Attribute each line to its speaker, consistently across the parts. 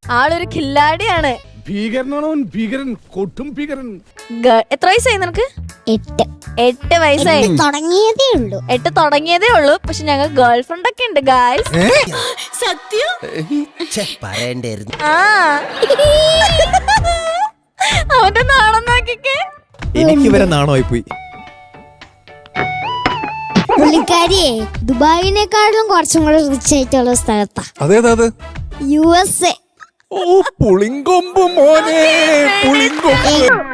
Speaker 1: ആളൊരു കില്ലാടിയാണ്.
Speaker 2: ഭീകരനാണോ? ഭീകരൻ, കൊട്ടും ഭീകരൻ.
Speaker 1: എത്ര വയസ്സായി നിനക്ക്? 8 വയസ്സായി. 8 തുടങ്ങിയതേ ഉള്ളൂ. പക്ഷെ ഞങ്ങൾ ഗേൾ ഫ്രണ്ട് ഒക്കെ ഉണ്ട് ഗായ്സ്.
Speaker 3: സത്യം
Speaker 1: ആ അവന്റെ നാണം നോക്കിക്കേ.
Speaker 4: എനിക്ക് വരെ നാണമായി പോയി.
Speaker 5: പുള്ളിക്കാരിയെ ദുബായിനേക്കാളും കുറച്ചും കൂടെ റിച്ച് ആയിട്ടുള്ള സ്ഥലത്താ.
Speaker 4: അതേതാത്?
Speaker 5: USA.
Speaker 4: ഓ പുളിങ്കൊമ്പ് മോനെ, പുളിങ്കൊമ്പ്.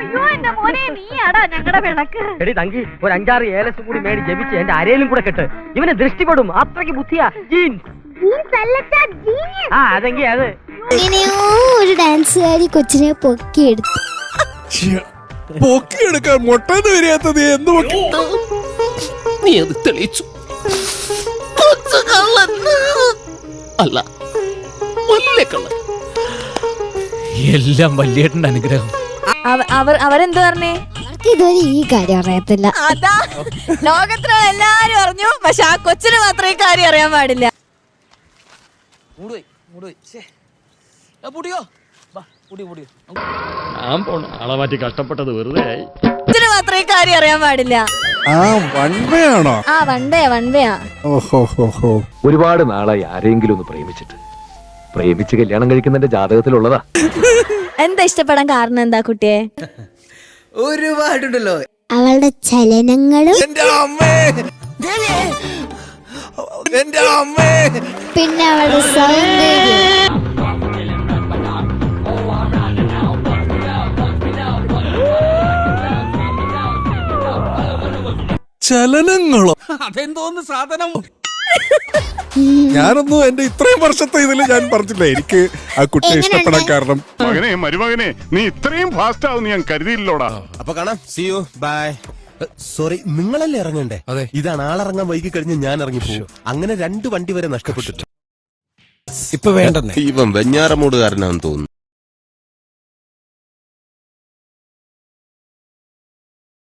Speaker 6: എടി തങ്കി ഒരു 5-6 ഏലസ് കൂടി മേടി ജപിച്ച് എന്റെ അരയിലും കൂടെ കെട്ട്. ഇവനെ ദൃഷ്ടിപ്പെടും, അത്രയ്ക്ക് ബുദ്ധിയാ. അതെങ്കി അത്
Speaker 5: ഇങ്ങനെയോ ഒരു ഡാൻസുകാരി കൊച്ചിനെ പൊക്കിയെടുത്തു.
Speaker 4: പൊക്കിയെടുക്കാൻ മുട്ടന്ന് വരാത്തത് എന്ത് പൊക്കി?
Speaker 3: നീ അത് തെളിയിച്ചു. അല്ല, എല്ലാം വല്യേട്ടന്റെ അനുഗ്രഹം.
Speaker 1: അവരെന്ത് പറഞ്ഞേ?
Speaker 5: അവർക്ക് ഇതുവരെ ഈ കാര്യം അറിയത്തില്ല.
Speaker 1: അതാ ലോകത്തിലുള്ള എല്ലാരും അറിഞ്ഞു, പക്ഷെ ആ കൊച്ചിന് മാത്രം ഈ കാര്യം അറിയാൻ പാടില്ല.
Speaker 2: ആളെ മാറ്റി കഷ്ടപ്പെട്ടത് വെറുതെ ആയി.
Speaker 1: കൊച്ചിന് മാത്രം ഈ കാര്യം അറിയാൻ പാടില്ല.
Speaker 4: ആ വൺവയാണോ?
Speaker 1: ആ വൺവയാ.
Speaker 4: ഓഹോ.
Speaker 7: ഒരുപാട് നാളായി ആരെങ്കിലും ഒന്ന് പ്രേമിച്ചിട്ട്. പ്രേമിച്ച് കല്യാണം കഴിക്കുന്നതിന്റെ ജാതകത്തിലുള്ളതാ.
Speaker 1: എന്താ ഇഷ്ടപ്പെടാൻ കാരണം എന്താ കുട്ടിയെ?
Speaker 8: ഒരുപാടുണ്ടല്ലോ.
Speaker 5: അവളുടെ ചലനങ്ങളും പിന്നെ അവളുടെ സൗന്ദര്യം.
Speaker 4: ചലനങ്ങളോ?
Speaker 8: അതെന്തോന്ന് സാധനം?
Speaker 4: ഞാനൊന്നും എന്റെ ഇത്രയും വർഷത്തെ ഇതില് ഞാൻ പറഞ്ഞില്ല എനിക്ക് ആ കുട്ടിയെ ഇഷ്ടപ്പെടാൻ കാരണം.
Speaker 2: മരുമകനെ നീ ഇത്രയും ഫാസ്റ്റ് ആവും ഞാൻ കരുതിയില്ലോടാ.
Speaker 8: അപ്പൊ കാണാം. See you. Bye. സോറി, നിങ്ങളല്ലേ ഇറങ്ങണ്ടേ? ഇതാണ് ആളിറങ്ങാൻ വൈകി കഴിഞ്ഞ് ഞാൻ ഇറങ്ങിപ്പോകും. അങ്ങനെ 2 വണ്ടി വരെ നഷ്ടപ്പെട്ടിട്ട്.
Speaker 9: ഇപ്പൊ വേണ്ടെന്നേ.
Speaker 8: ഇവൻ വെഞ്ഞാറമൂടുകാരനാണെന്ന് തോന്നുന്നു.